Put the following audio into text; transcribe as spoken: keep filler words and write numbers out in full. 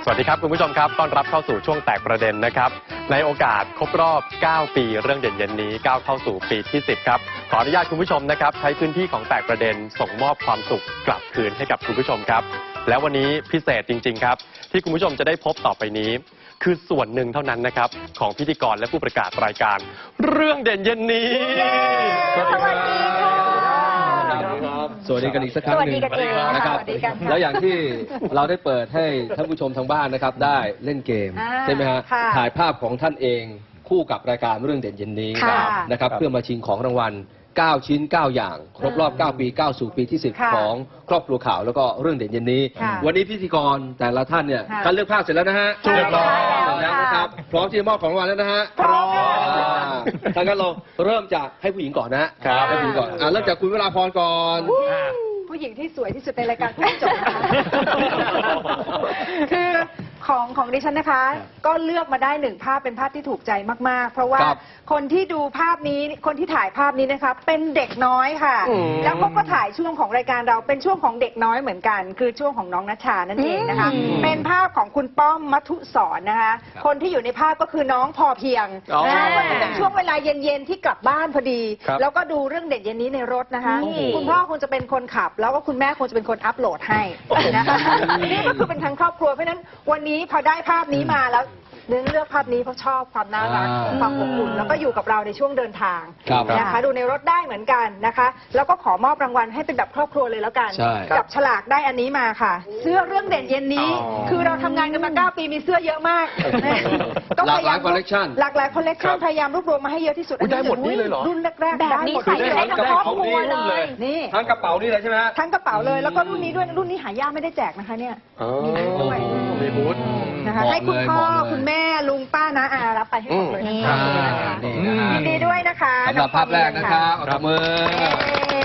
สวัสดีครับคุณผู้ชมครับต้อนรับเข้าสู่ช่วงแตกประเด็นนะครับในโอกาสครบรอบเก้าปีเรื่องเด่นเย็นนี้ก้าวเข้าสู่ปีที่สิบครับขออนุญาตคุณผู้ชมนะครับใช้พื้นที่ของแตกประเด็นส่งมอบความสุขกลับคืนให้กับคุณผู้ชมครับและวันนี้พิเศษจริงๆครับที่คุณผู้ชมจะได้พบต่อไปนี้คือส่วนหนึ่งเท่านั้นนะครับของพิธีกรและผู้ประกาศรายการเรื่องเด่นเย็นนี้สวัสดีค่ะสวัสดีกันอีกสักครั้งหนึ่งนะครับแล้วอย่างที่เราได้เปิดให้ท่านผู้ชมทางบ้านนะครับได้เล่นเกมใช่ไหมฮะถ่ายภาพของท่านเองคู่กับรายการเรื่องเด่นเย็นนี้นะครับเพื่อมาชิงของรางวัลเก้าชิ้นเก้าอย่างครบรอบเก้าปีก้าวสู่ปีที่สิบของครอบครัวข่าวแล้วก็เรื่องเด่นเย็นนี้วันนี้พิธีกรแต่ละท่านเนี่ยการเลือกภาพเสร็จแล้วนะฮะเรียบร้อยแล้วนะครับพร้อมที่จะมอบของรางวัลแล้วนะฮะพร้อมถ้างั้นเราเริ่มจากให้ผู้หญิงก่อนนะให้ผู้หญิงก่อนเริ่มจากคุณวราพรก่อนผู้หญิงที่สวยที่สุดในรายการผู้จบนะคะคือของของดิฉันนะคะก็เลือกมาได้หนึ่งภาพเป็นภาพที่ถูกใจมากๆเพราะว่าคนที่ดูภาพนี้คนที่ถ่ายภาพนี้นะคะเป็นเด็กน้อยค่ะแล้วก็ก็ถ่ายช่วงของรายการเราเป็นช่วงของเด็กน้อยเหมือนกันคือช่วงของน้องณชานั่นเองนะคะเป็นภาพของคุณป้อมมัทุสรนะคะคนที่อยู่ในภาพก็คือน้องพอเพียงนะคะก็จะเป็นช่วงเวลาเย็นๆที่กลับบ้านพอดีแล้วก็ดูเรื่องเด็ดเย็นนี้ในรถนะคะคุณพ่อคงจะเป็นคนขับแล้วก็คุณแม่คงจะเป็นคนอัปโหลดให้นะคะนี่ก็คือเป็นทั้งครอบครัวเพราะฉะนั้นวันนี้พอได้ภาพนี้มาแล้วเลือกเลือกภาพนี้เพราะชอบความน่ารักความอบอุ่นแล้วก็อยู่กับเราในช่วงเดินทางนะคะดูในรถได้เหมือนกันนะคะแล้วก็ขอมอบรางวัลให้เป็นแบบครอบครัวเลยแล้วกันกับฉลากได้อันนี้มาค่ะเสื้อเรื่องเด่นเย็นนี้คือเราทำงานกันมาเก้าปีมีเสื้อเยอะมากก็พยายามคอลเลคชันหลากหลายคอลเลคชันพยายามรวบรวมมาให้เยอะที่สุดได้หมดนี้เลยเหรอรุ่นแรกๆแบบนี้ใส่ได้ทั้งครอบครัวเลยนี่ทั้งกระเป๋านี่เลยใช่ไหมทั้งกระเป๋าเลยแล้วก็รุ่นนี้ด้วยรุ่นนี้หายากไม่ได้แจกนะคะเนี่ยมีด้วยมีบูธนะคะให้คุณพ่อคุณแม่ลุงป้านะอารับไปให้หมดเลยนะคะยินดีด้วยนะคะสำหรับภาพแรกนะคะขอบมือ